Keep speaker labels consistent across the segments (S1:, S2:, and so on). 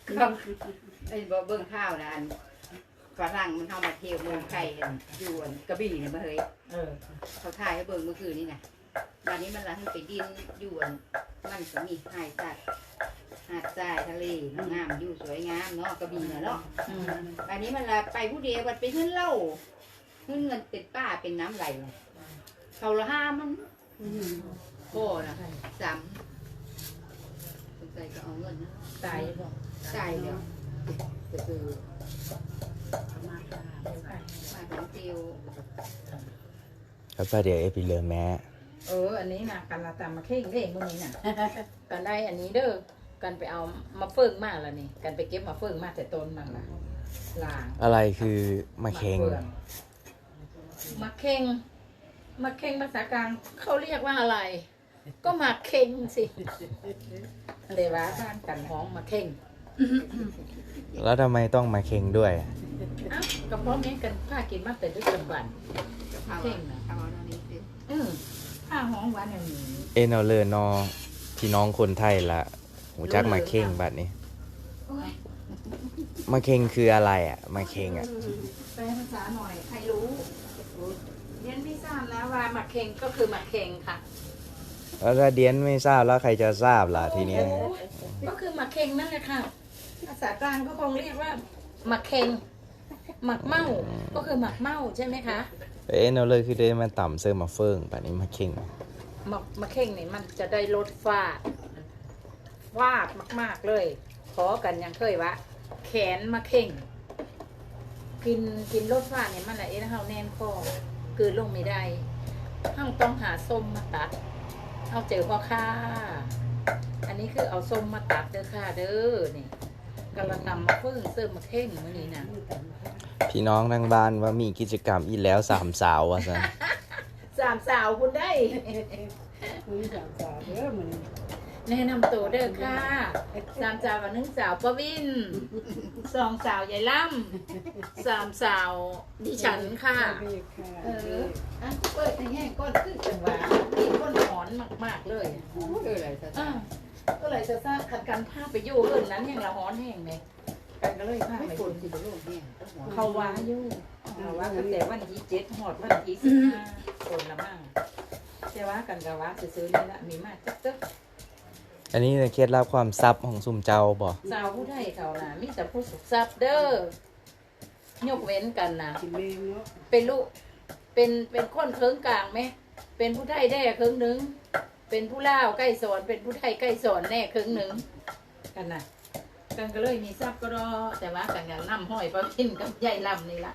S1: ไอ้บ่เบิ่งข้าวนะอันฝรั่งมันเข้ามาเที่ยวเมืองไทยอยู่กระบี่เนี่ยมาเฮ้ยเขาถ่ายให้เบิ่งเมื่อคืนนี่ไงวันนี้มันละให้ไปดินอยู่มันก็มีหายสัตว์หาดทรายทะเลงามอยู่สวยงามเนาะกระบี่เนาะอันนี้มันละไปผู้เดียวมันไปขึ้นเหล้าขึ้นเงินเป็นป้าเป็นน้ำไหลเขาละห้ามันโอ้นะสามสงสัยก็เอาเงินนะตายเดี๋ยวก็คือมาของเตียว
S2: แล้วก็เดี๋ยวไปเรือแม่
S3: อันนี้นะกันละตามมาเข่งเองพวกนี้น่ะกันได้อันนี้เด้อกันไปเอามาเฟิ่งมากแล้วนี่กันไปเก็บมาเฟิ่งมากแต่ต้นมันล่ะล่าง
S2: อะไรคือมาเค็ง
S3: มาเข่งมาเข่งภาษากลางเขาเรียกว่าอะไร ก็มาเข่งสิเลยวะบ้านกันห้องมาเข่ง
S2: แล้วทำไมต้องมาเค็งด้วย
S3: ก็เพราะแม่กันผ้ากินมากแต่ด้วยกันบันเข่งนะ
S1: เอาตรงนี้สิ
S3: ผ้าห้องวันอย่างนี้
S2: เอาเลยนอพี่น้องคนไทยละหูจักมาเค็งบัดนี้มาเค็งคืออะไรมาเค็ง
S3: แปลภาษาหน่อยใครรู้เรียนไม่ทราบแล้วว่ามาเค็งก็คือมาเค็งค่ะ
S2: แล้วถ้าเดียนไม่ทราบแล้วใครจะทราบล่ะทีนี้
S3: ก็คือหมักเค็งนั่นแหละค่ะภาษากลางก็คงเรียกว่าหมักเค็งหมักเมาก็คือหมักเมาใช่ไหมคะ
S2: เอาเลยคือได้มาต่ำเสื้อมาเฟิงแบบนี้มาเค็ง
S3: มาเค็งนี่มันจะได้ลดฟาดมากๆเลยขอกันยังเคยวะแขนมาเค็งกินลดฟาดเนี่ยมันอะไรนะเฮาแน่นคอคือลงไม่ได้เฮาต้องหาส้มมาตัดเอาเจอพ่อค้าอันนี้คือเอาส้มมาตัดเด้อค่ะเด้อนี่กำลังนำมาเพิ่งเสริมมาเข่งมื้อนี้นะ
S2: พี่น้องทางบ้านว่ามีกิจกรรมอีกแล้ว3 สาวว่าซะ
S3: 3 สาวคุณได้
S1: 3 สาวเด้อมื้อนี้
S3: แนะนำตัวเด้อค่ะ3 สาวกับ1 สาวประวิน2 สาวยายล่ำ3 สาวดิฉันค่ะเปิดในแง่ก้นขึ้นจังหวะมีก้นหอนมากๆเลยก็เลยจะทราบขัดกันภาพไปอยู่เรื่องนั้นอย่างละหอนแห้งไหมกันก็เลยภาพไปคนสิบโลกเนี่ยเขาว่าอยู่เขาว่าตั้งแต่วันที่7หอดวันที่15คนละมั่งแต่ว่ากันกะว่าซื้อนี่ละมีมากจ๊ก
S2: อันนี้เคล็ดลับความซับของซุ่มเจ้าบ่
S3: สาวผู้ไทยเขาน่ะมีแต่ผู้สุขซับเด้อยกเว้นกันนะเป็นลูกเป็นคนเคิงกลางไหมเป็นผู้ไทยได้เคิงหนึ่งเป็นผู้ล่าวใกล้สอนเป็นผู้ไทยใกล้สอนแน่เคิงหนึ่งกันนะกันก็เลยมีซับก็รอแต่ว่ากันอย่างน้ำห้อยปลาพินกับใหญ่ลำนี่ละ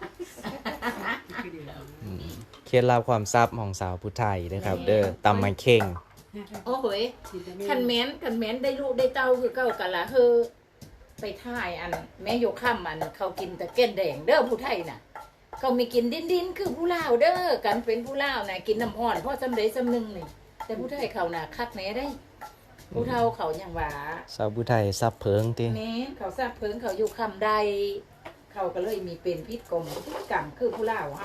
S2: เคล็ดลับความซับของสาวผู้ไทยนะครับเด้อตำมาเค็ง
S3: โอ้โหคันแม้นได้ลูกได้เต้าคือเก้ากันละเฮอไปท่ายอันแม่โยข้ามมันเขากินแต่แก่นแดงเด้อผู้ไทยน่ะเขาไม่กินดินคือผู้ลาวเด้อกันเป็นผู้ลาวน่ะกินน้ำอ่อนเพราะจำได้จำนึงนี่แต่ผู้ไทยเขาน่ะคักแน่ได้ผู้เฒ่าเขาอย่างว่า
S2: สาวผู้ไทยซับเพิงติ
S3: แม่เขาซับเพิงเขาอยู่คำใดเขาก็เลยมีเป็นพิษกรรมคือผู้ลาวเฮา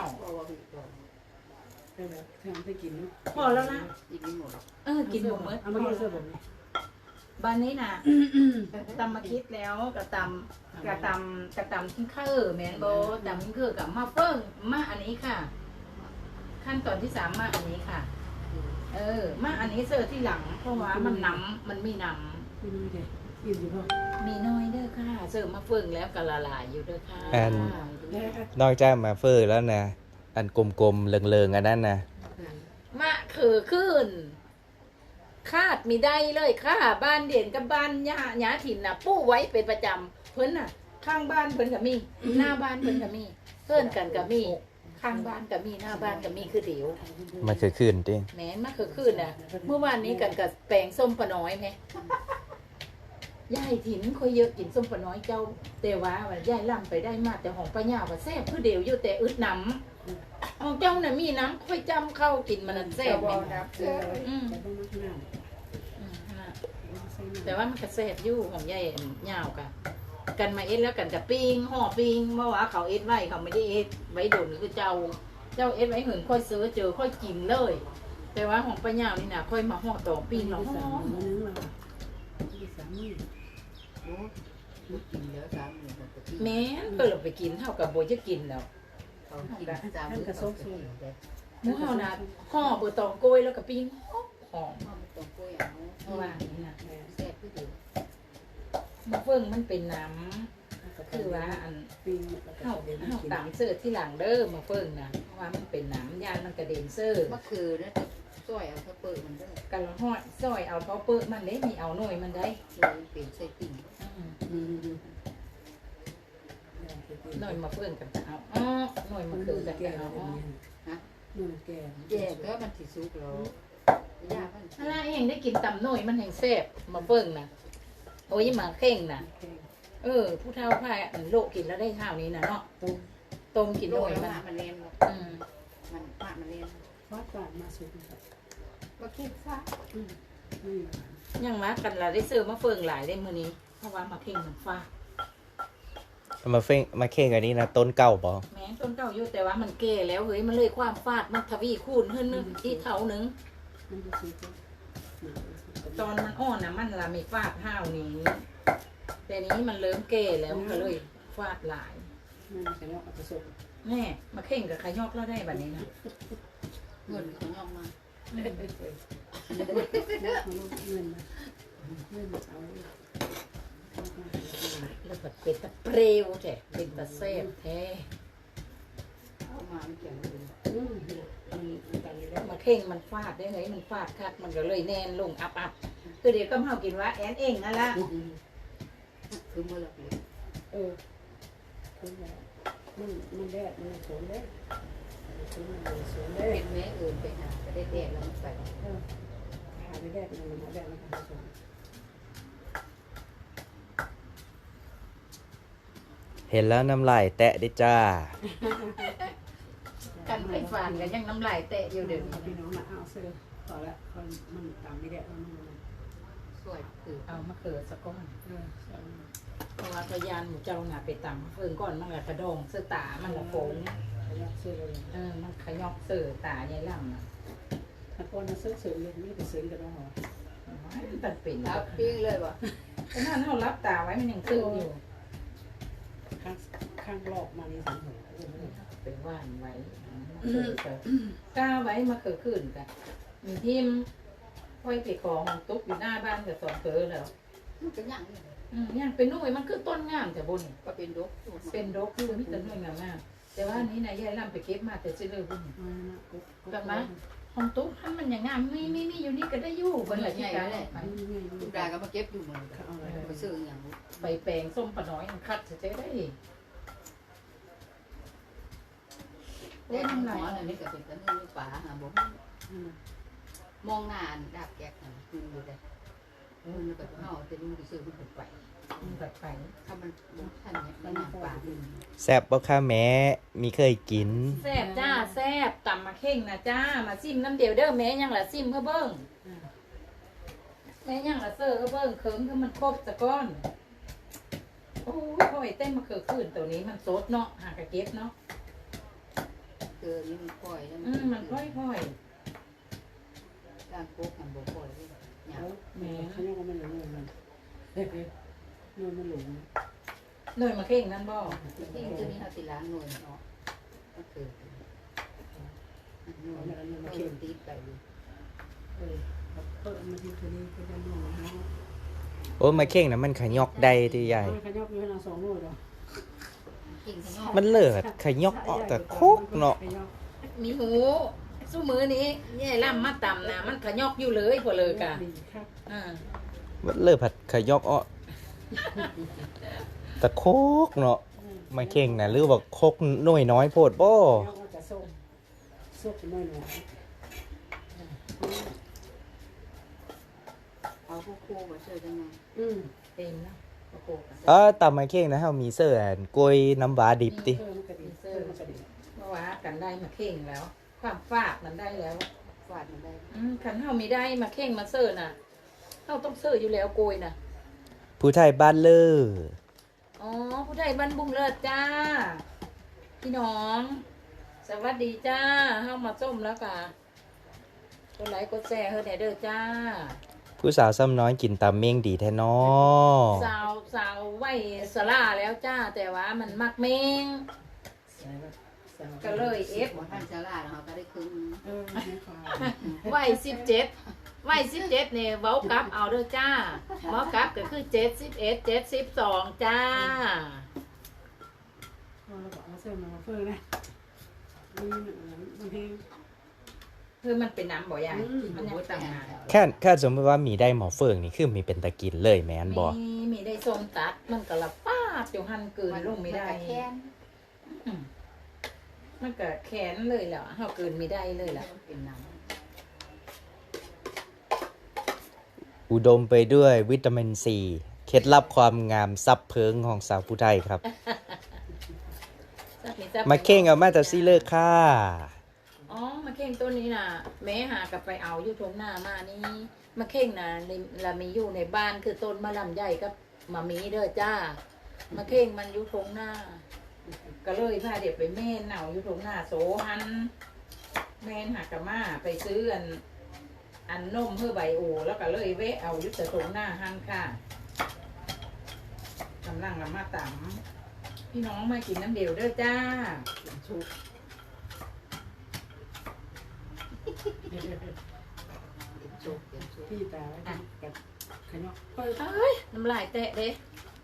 S3: พอแล้วนะกินหมดกินหมดเมื่อเอามาเสื้อผมบ้านนี้นะตำมาคิดแล้วกระตำทิ้งข้าวแมนโบตำทิ้งข้าวกับมาเฟิ่งมาอันนี้ค่ะขั้นตอนที่3มาอันนี้ค่ะมาอันนี้เสิร์ฟที่หลังเพราะว่ามันน้ำมันมีน้ำมีน้อยเด้อค่ะเสิร์ฟมาเฟิ่งแล้วก็ละลายอยู่เด้อค่ะ
S2: นอกจากมาเฟิ่งแล้วนะอันกลมๆเลิงๆอันนั้นนะ
S3: มะคือขึ้นคาดมีได้เลยค่ะบ้านเด่นกับบ้านหญ้าถิ่นน่ะปู้ไว้เป็นประจำเพิ่นน่ะข้างบ้านเพิ่นก็มีหน้าบ้านเพิ่นก็มีเพิ่นกันก็มีข้างบ้านก็มีหน้าบ้านก็มีคือเดี๋ยว
S2: มันคือขึ้นติ
S3: แหมมันคือขึ้นน่ะเมื่อวานนี้กันกับแปลงส้มปะน้อยแม่ยายถิ่นค่อยเยอะกินส้มปะน้อยเจ้าแต่ว่ายายล่ำไปได้มาแต่ของป้าย่าว่าแซ่บคือเดี๋ยวอยู่แต่อึดน้ำของเจ้าน่ะมีน้ำค่อยจำเข้ากินมันแซ่บแต่ว่ามันกระแซ่บอยู่ของยายยาวกันมาเอ็ดแล้วกันกับปิ้งห่อปิ้งเมื่อวานเขาเอ็ดไว้เขาไม่ได้เอ็ดไว้โดนคือเจ้าเอ็ดไว้เหินค่อยซื้อเจอค่อยกินเลยแต่ว่าของป้าย่านี่นะค่อยมาห่อต่อปิ้งเรา
S1: กินแล้วสามมื้อก็กิน
S3: แม่นเพิ่นเราไปกินเท่ากับบ่จะกินแล้ว
S1: เขากินสามมื้อก็กินได้
S3: หมูเฮานะห่อเบอร์ตองโกยแล้วก็ปิ้งหอม
S1: มันต้องกล้วยเอา
S3: เพราะว่านี่นะ
S1: แซ่บคือเดียว
S3: มะเฟืองมันเป็นน้ำคือว่าอันเฮาตามเสิร์ชที่หลังเด้อมะเฟืองนะเพราะว่ามันเป็นน้ำยานมันกระเด็นเสิร์ช
S1: มะเขือนะจะซอยเอาถ้าเปิดมันได้
S3: กันละห้อยซอยเอาเท้าเปิ้มันเด้มีเอาหน่วยมันได้
S1: เลยเป็นใส่ติ่ง
S3: หน่วยมะเฟืองกันจะเอาอ้อหน่วยมะเขือกันจะเอาอ้อ
S1: แย่ก็มันสิสุกแล้วยามัน
S3: อะไรเองได้กินตำหน่วยมันแห่งแซ่บมะเฟืองนะโอ้ยมาเข่งนะผู้เฒ่าพายอันโลกกินแล้วได้เท่านี้นะเนาะต้มกินห
S1: โด
S3: น่วย
S1: ย
S3: มัน
S1: มันเล่น
S3: อืม
S1: มันปะมันเล่น
S4: วัดกลางมาสุดครับ
S1: ก็คิดซะ
S3: ยังมากันละได้ซื้อมะเฟืองหลายได้มื้อนี้เพราะว่ามาเข่งมันฟ้า
S2: มาเฟ้งมาเข่งอันนี้นะต้นเก่าบ่
S3: แม้ต้นเก่าอยู่แต่ว่ามันแก่แล้วเฮ้ยมันเลยความฟาดมันทวีคูณขึ้นนึงอีกเท่านึง
S4: มันจะสุด
S3: ตอนมันอ่อนนะมันละไม่ฟาดห้าวนี้แต่นี้มันเริ่มแก่แล้วก็เลยฟาดหลาย
S4: มันจะเนาะผสม
S3: แน่มาเข่งกับขยอกแล้วได้แบบนี้นะ
S1: เงินของยอมมา
S4: มันลงเงินมาเอา
S3: แล้วก็เป็นตะเปรวแท้เป็นตะเซฟแท้
S1: เอามาไม่เกี่ยวเลย
S3: มาเข่งมันฟาดได้ไงมันฟาดคักมันก็เลยแน่นลงอับคือเดี๋ยวก็เฮากินว่าแอนเองนั่นละ
S1: คือเมื่อเราเลย
S4: คือมันแดดมันสวนได้มันสวนได้
S1: เป็นแม่เอิญไปหาก็ได้แดดแล้วมันไป
S4: หาไม่ได้มันมาแดดมันผสม
S2: เห็นแล้วน้ำลายแตะได้จ้า
S3: กันไปฟานกันยังน้ำลายแตะอยู่เดี๋ยวนี้
S4: พี่น้องมาเอาเสื้อพอละมันตามไม่ได้มัน
S1: สวยคือ
S3: เอามาเขือสักก้อนเพราะว่าพยานหมูเจ้าน่ะไปตำเพิ่งก่อนมันละกระดองเสื้อตามันละโฟง
S4: เสื้อเลย
S3: มันขยอกเสื้อตายายล่ำน่ะ
S4: ถ้าคนมาซื้อซื้อเลยนี่ไปซื้อกันแล้วเหรอ
S3: มันเป็นแล้
S1: รั
S3: ว
S1: บปิ้งเลยว่ะ
S3: ขนาดเรารับตาไว้มันยังซึ้งอยู่
S4: ข้างรอบมานี่สังหัว
S3: เป็นว่านไว้กล้าไว้มาเขือขึ้นกันมีทิมค่อยไปของตุ๊กอยู่หน้าบ้านกับสองเขือแล้ว
S1: มันเป็นอย่างนี้
S3: ยังเป็นหน่วยมันคือต้นงามแต่บน
S1: ก็เป็นดก
S3: เป็นดอกคือมีแต่หน่วยงามๆแต่ว่านี้นายยายล่ำไปเก็บมาแต่ซื้อเลยบุญของตุ๊กท่านมันอย่างงามไม่อยู่นี่ก็ได้อยู่บนหลังที่การ
S1: ทุกดาก็มาเก็บอยู่เหมือนกันมาซื้ออย่าง
S3: ไปแปลงส้มปะน้อยมันคัดจะได้
S1: แดดหมอนี่ก็เป็นกันนี่ป่าหาบ่มองหน้าดาบแกกน่ะคืออยู่ได้มันก็เฮาจะดูซื้อมันไป
S3: แบบไป
S1: ถ้ามันท่านเนี่ยมันหนักป่า
S2: แซ่บบ่ค่ะแม่มีเคยกิน
S3: แซ่บจ้าแซ่บตำมาเข่งนะจ้ามาซิมน้ำเดียวเด้อแม่ยังละซิมเขาเบิ้งแม่ยังละเซอร์เขาเบิ้งเคิมคือมันครบสะก้อนโอ้ยพ่อยเต้นมาเขือขึ้นตัวนี้มันสดเนาะหากระเก็บเนาะ
S1: เกินนี่มันค่อยแล้ว
S3: มันค่อย
S1: การโคกมันบ่ค่อยเลยเนี่ย
S4: แม่เขาเรียกว่ามันหลงมันมันหลง
S3: หน่วยมาเข่งนั่นบ่
S1: ที่ตัวนี้เราติล้างหน่วยเนาะก็คือหน่วยมันเข็มตีไปเลย
S4: เปิดมาที่ตัวนี้ก็จะหลงนะ
S2: โอ้มาเข่งนะมันขยอกได้ที่ใหญ่
S4: ขยับอยู่นะ2 โลด
S1: กินข้างนอก
S2: มันเลิศขยอกออกแต่โคกเนาะ
S3: มีหูสู้มือนี้แย่ล่ำมาต่ำนะมันขยอกอยู่เลยพอเลยกะ
S2: มันเลิศผัดขยอกออกแต่โคกเนาะมาเข่งนะหรือว่าโคกหน่วยน้อยโพดบ่
S4: จะส้มส้มน้อย
S1: เอาโคมาเชื่อจังไง
S3: เต็มแล้วโอ้โห
S2: ตำมาเข่งนะเฮามีเสื้ออันกล้วยน้ำว้าดิบติ
S3: เมื่อวานกันได้มาเข่งแล้ว ความฟาดมันได้แล้ว
S1: ฟาดมันได้
S3: ขันเฮามีได้มาเข่งมาเสิร์น่ะเฮาต้องเสิร์อยู่แล้วโกยน่ะ
S2: ผู้ไทยบ้านเลอ
S3: อ๋อผู้ใดบ้านบุ้งเลิศจ้าพี่น้อง สวัสดีจ้าเฮามาส้มแล้วกะกดไลค์กดแชร์เฮ้ยเด้อจ้า
S2: ผู้สาวซ้ำน้อยกินตำเม่งดีแท้น้อ
S3: สาวไหวสลาแล้วจ้าแต่ว่ามันมักเมงก็เลยเอฟ
S1: บ่ทันจะลาแล้วเขาก็ได้ครึ่ง
S4: ไม่ควาย
S3: ไหว17เนี่ยเว้ากลับเอาเด้อจ้าเว้ากลับก็คือ71 72จ้า
S4: เราบอกว่าเสื้อมาเฟื่องนะมีบางที
S3: คือมันเป็นน้ำบ่ยายมันยังต่างหาก
S2: แค่สมมติว่ามีได้หมอเฟิงนี่คือมีเป็นตะกินเลยแม่นบ่
S3: มีได้ทรงตัดมันก็ละป้าดอยู่หันเกินลงไม่ได้
S1: แค้น
S3: มันก็แขนเลยแหละเฮาเกินไม่ได้เลยล่ะ
S1: เป็นน้
S2: อุดมไปด้วยวิตามินซีเคล็ดลับความงามซับเพิงของสาวผู้ไทยครับ มาเข่งเอามาแต่ซีเลิกค่ะ
S3: อ๋อมาเข่งต้นนี้น่ะแม่หากลับไปเอาอยู่ทงหน้ามานี่มาเข่งน่ะละมีอยู่ในบ้านคือต้นมะลำใหญ่กับมามีเด้อจ้ามาเข่งมันอยู่ทงหน้า ก็เลยพาเด็กไปแม่นเอาอยู่ทงหน้าโสหันแม่นหากะมาไปซื้ออันนมเพื่อใบโอแล้วก็เลยแวะเอาอยู่แต่ทงหน้าหันค่ะกำลังละมาตำพี่น้องมากินน้ำเดียวเด้อจ้า
S4: ชุบ
S1: ำจุกเป็นจุก
S4: พี่ตาไว้กับขยอกเปิด
S3: เอ้ยน้ำลายแตะเด้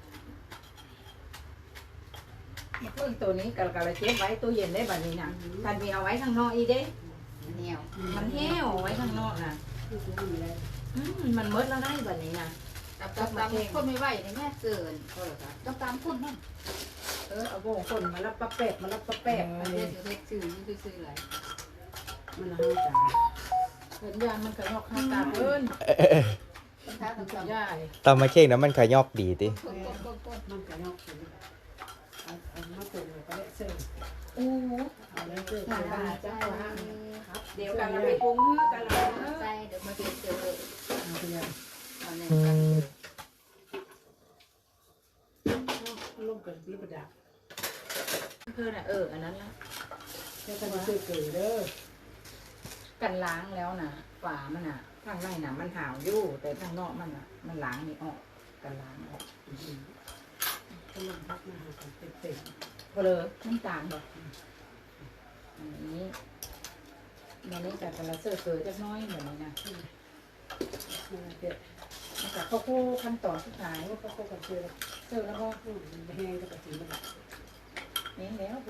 S3: มาเพิ่งตัวนี้กะละเจ็บไว้ตู้เย็นได้บัดนี้นะกันมีเอาไว้ข้างนอกอีเด้
S1: เหนียว
S3: มันแห้วไว้ข้างนอกนะ
S4: ที่ซื้อมีอะไร
S3: มันเมดแล้วได้บัดนี้นะ
S1: ตามคนไม่ไหวเลยแม่เกินก็เลยครับต้องตามคนนั่น
S3: เอาโบงคนมารับปะแปบมารับปะแปบ
S1: เรียกเรียกชื่อนี่ชื่ออะไร
S4: มันห้าจาน
S3: เห็นยางมันกระยอกข้างตาเพิ่น
S1: ถ้าต้องตาม
S3: ย่าย
S2: ตำมาเข่งนะมันขยอกดีติ
S4: มันขยอกเอามาตุ่มเลยก็ได้เสื้อ
S3: โอ้
S4: เอาเลยเสื้อ
S3: หา
S4: ผ้า
S3: จ้า
S4: ครับ
S3: เดี๋ยวกันเราไปปรุงกันเรา
S1: ใส่เดี๋ยวมาเจอ
S4: เอาไปเลย
S1: เอาเนี่ย
S4: ลงกับลูกประดับ
S3: เพิ่นอันนั้นละ
S4: แค่ต้องซื้อเกลือเด้อ
S3: กันล้างแล้วนะฝามันอ่ะข้างในน่ะมันหาวอยู่แต่ข้างนอกมันอ่ะมันล้างนี่ออกกันล้างออก
S4: ก็ลงพักมาหากันเต็ม
S3: เพลอน้ำตาลบอกอันนี้มันนี้จากกระเซอร์เกลือจักน้อยเหมือนนี้นะ
S4: ๆมาเด็ด
S3: มาจากข้าวโพดขั้นตอนสุดท้าย
S4: ก็เข้ากับเกลือ
S3: เซอร์แล้วก็
S4: แห้งก็กระถิ่นมัน
S3: นี่แล้วผ